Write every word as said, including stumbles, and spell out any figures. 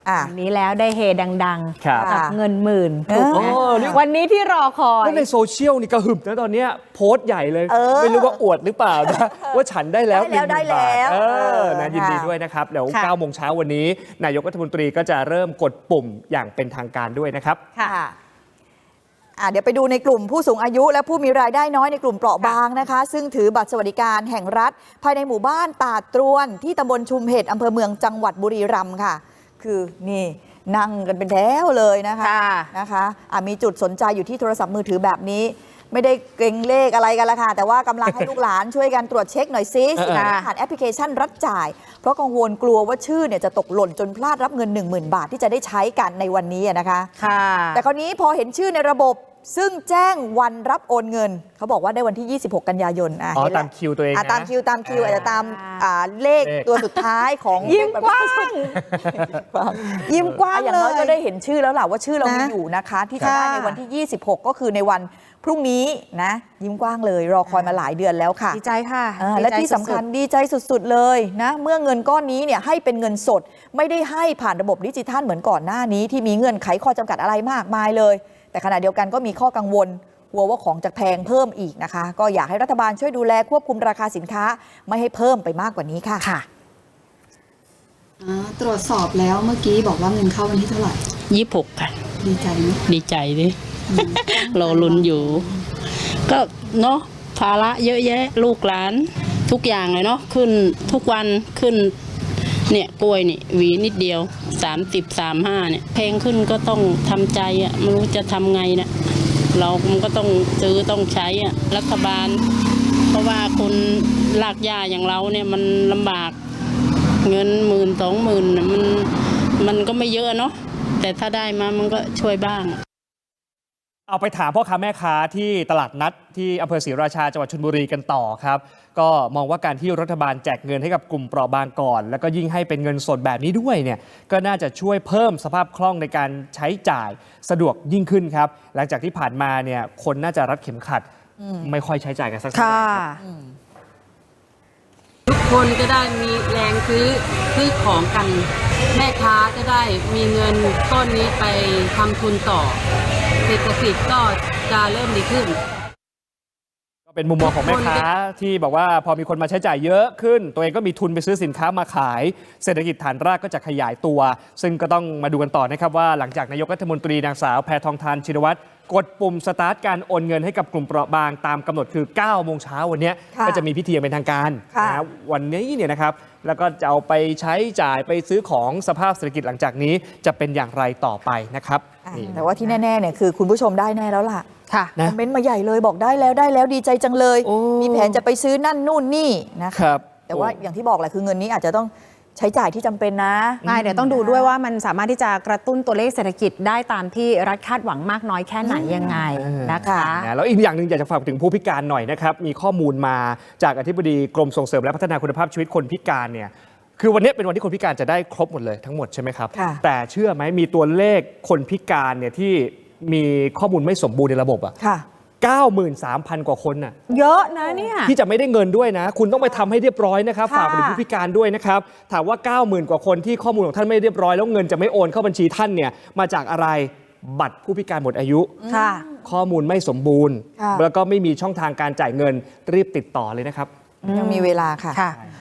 วันนี้แล้วได้เฮดังๆกับเงินหมื่นถูกไหมวันนี้ที่รอคอยในโซเชียลนี่กระหึ่มนะตอนนี้โพสต์ใหญ่เลยไม่รู้ว่าอวดหรือเปล่านะว่าฉันได้แล้วหนึ่งหมื่นบาทเออนะยินดีด้วยนะครับเดี๋ยวเก้าโมงเช้าวันนี้นายกรัฐมนตรีก็จะเริ่มกดปุ่มอย่างเป็นทางการด้วยนะครับค่ะเดี๋ยวไปดูในกลุ่มผู้สูงอายุและผู้มีรายได้น้อยในกลุ่มเปราะบางนะคะซึ่งถือบัตรสวัสดิการแห่งรัฐภายในหมู่บ้านตาดตรวนที่ตำบลชุมเห็ดอำเภอเมืองจังหวัดบุรีรัมย์ค่ะคือนี่นั่งกันเป็นแถวเลยนะคะนะคะมีจุดสนใจอยู่ที่โทรศัพท์มือถือแบบนี้ไม่ได้เกรงเลขอะไรกันละค่ะแต่ว่ากำลังให้ลูกหลานช่วยกันตรวจเช็คหน่อยซิผ่านแอปพลิเคชันรัฐจ่ายเพราะกังวลกลัวว่าชื่อเนี่ยจะตกหล่นจนพลาดรับเงิน หนึ่งหมื่น บาทที่จะได้ใช้กันในวันนี้นะคะแต่คราวนี้พอเห็นชื่อในระบบซึ่งแจ้งวันรับโอนเงินเขาบอกว่าได้วันที่ยี่สิบหกกันยายนอ๋อตามคิวตัวเองนะตามคิวตามคิวอาจจะตามเลขตัวสุดท้ายของยิ้มกว้างยิ้มกว้างอย่างน้อยก็ได้เห็นชื่อแล้วแหละว่าชื่อเรามีอยู่นะคะที่จะได้ในวันที่ยี่สิบหกก็คือในวันพรุ่งนี้นะยิ้มกว้างเลยรอคอยมาหลายเดือนแล้วค่ะดีใจค่ะและที่สำคัญดีใจสุดๆเลยนะเมื่อเงินก้อนนี้เนี่ยให้เป็นเงินสดไม่ได้ให้ผ่านระบบดิจิทัลเหมือนก่อนหน้านี้ที่มีเงื่อนไขข้อจำกัดอะไรมากมายเลยแต่ขณะเดียวกันก็มีข้อกังวลกลัวว่าของจะแพงเพิ่มอีกนะคะก็อยากให้รัฐบาลช่วยดูแลควบคุมราคาสินค้าไม่ให้เพิ่มไปมากกว่านี้ค่ะค่ะตรวจสอบแล้วเมื่อกี้บอกว่าเงินเข้าวันที่เท่าไหร่ยี่สิบหกค่ะดีใจไหมดีใจดิเราลุ้นอยู่ก็เนาะภาระเยอะแยะลูกหลานทุกอย่างเลยเนาะขึ้นทุกวันขึ้นเนี่ยกล้วยนี่หวีนิดเดียวสามสิบสามห้าเนี่ยเพลงขึ้นก็ต้องทำใจอ่ะไม่รู้จะทำไงนะเรามันก็ต้องซื้อต้องใช้อ่ะรัฐบาลเพราะว่าคนลากย่าอย่างเราเนี่ยมันลำบากเงินหมื่นสองหมื่นมันมันก็ไม่เยอะเนาะแต่ถ้าได้มามันก็ช่วยบ้างเอาไปถามพ่อค้าแม่ค้าที่ตลาดนัดที่อำเภอศรีราชาจังหวัดชลบุรีกันต่อครับก็มองว่าการที่รัฐบาลแจกเงินให้กับกลุ่มเปราะบางก่อนแล้วก็ยิ่งให้เป็นเงินสดแบบนี้ด้วยเนี่ยก็น่าจะช่วยเพิ่มสภาพคล่องในการใช้จ่ายสะดวกยิ่งขึ้นครับหลังจากที่ผ่านมาเนี่ยคนน่าจะรัดเข็มขัดไม่ค่อยใช้จ่ายกันสักเท่าไหร่ทุกคนจะได้มีแรงซื้อซื้อของกันแม่ค้าจะได้มีเงินต้นนี้ไปทำทุนต่อเศรษฐกิจก็จะเริ่มดีขึ้นก็เป็นมุมมองของแม่ค้าที่บอกว่าพอมีคนมาใช้จ่ายเยอะขึ้นตัวเองก็มีทุนไปซื้อสินค้ามาขายเศรษฐกิจฐานรากก็จะขยายตัวซึ่งก็ต้องมาดูกันต่อนะครับว่าหลังจากนายกรัฐมนตรีนางสาวแพทองธารชินวัตรกดปุ่มสตาร์ทการโอนเงินให้กับกลุ่มเปราะบางตามกำหนดคือเก้าโมงเช้าวันนี้ก็จะมีพิธีอย่างเป็นทางการนะวันนี้เนี่ยนะครับแล้วก็จะเอาไปใช้จ่ายไปซื้อของสภาพเศรษฐกิจหลังจากนี้จะเป็นอย่างไรต่อไปนะครับแต่ว่าที่แน่ๆเนี่ยคือคุณผู้ชมได้แน่แล้วล่ะค่ะคอมเมนต์มาใหญ่เลยบอกได้แล้วได้แล้วดีใจจังเลยมีแผนจะไปซื้อนั่นนู่นนี่นะครับแต่ว่าอย่างที่บอกแหละคือเงินนี้อาจจะต้องใช้จ่ายที่จำเป็นนะใช่เดี๋ยวต้องดูด้วยว่ามันสามารถที่จะกระตุ้นตัวเลขเศรษฐกิจได้ตามที่รัฐคาดหวังมากน้อยแค่ไหนยังไงนะคะแล้วอีกอย่างหนึ่งอยากจะฝากถึงผู้พิการหน่อยนะครับมีข้อมูลมาจากอธิบดีกรมส่งเสริมและพัฒนาคุณภาพชีวิตคนพิการเนี่ยคือวันนี้เป็นวันที่คนพิการจะได้ครบหมดเลยทั้งหมดใช่ไหมครับแต่เชื่อไหมมีตัวเลขคนพิการเนี่ยที่มีข้อมูลไม่สมบูรณ์ในระบบอ่ะเก้าหมื่นสามพัน กว่าคนน่ะเยอะนะเนี่ยที่จะไม่ได้เงินด้วยนะคุณต้องไปทำให้เรียบร้อยนะครับฝากไปถึงผู้พิการด้วยนะครับถามว่า เก้าหมื่น กว่าคนที่ข้อมูลของท่านไม่เรียบร้อยแล้วเงินจะไม่โอนเข้าบัญชีท่านเนี่ยมาจากอะไรบัตรผู้พิการหมดอายุข้อมูลไม่สมบูรณ์แล้วก็ไม่มีช่องทางการจ่ายเงินรีบติดต่อเลยนะครับยังมีเวลาค่ะ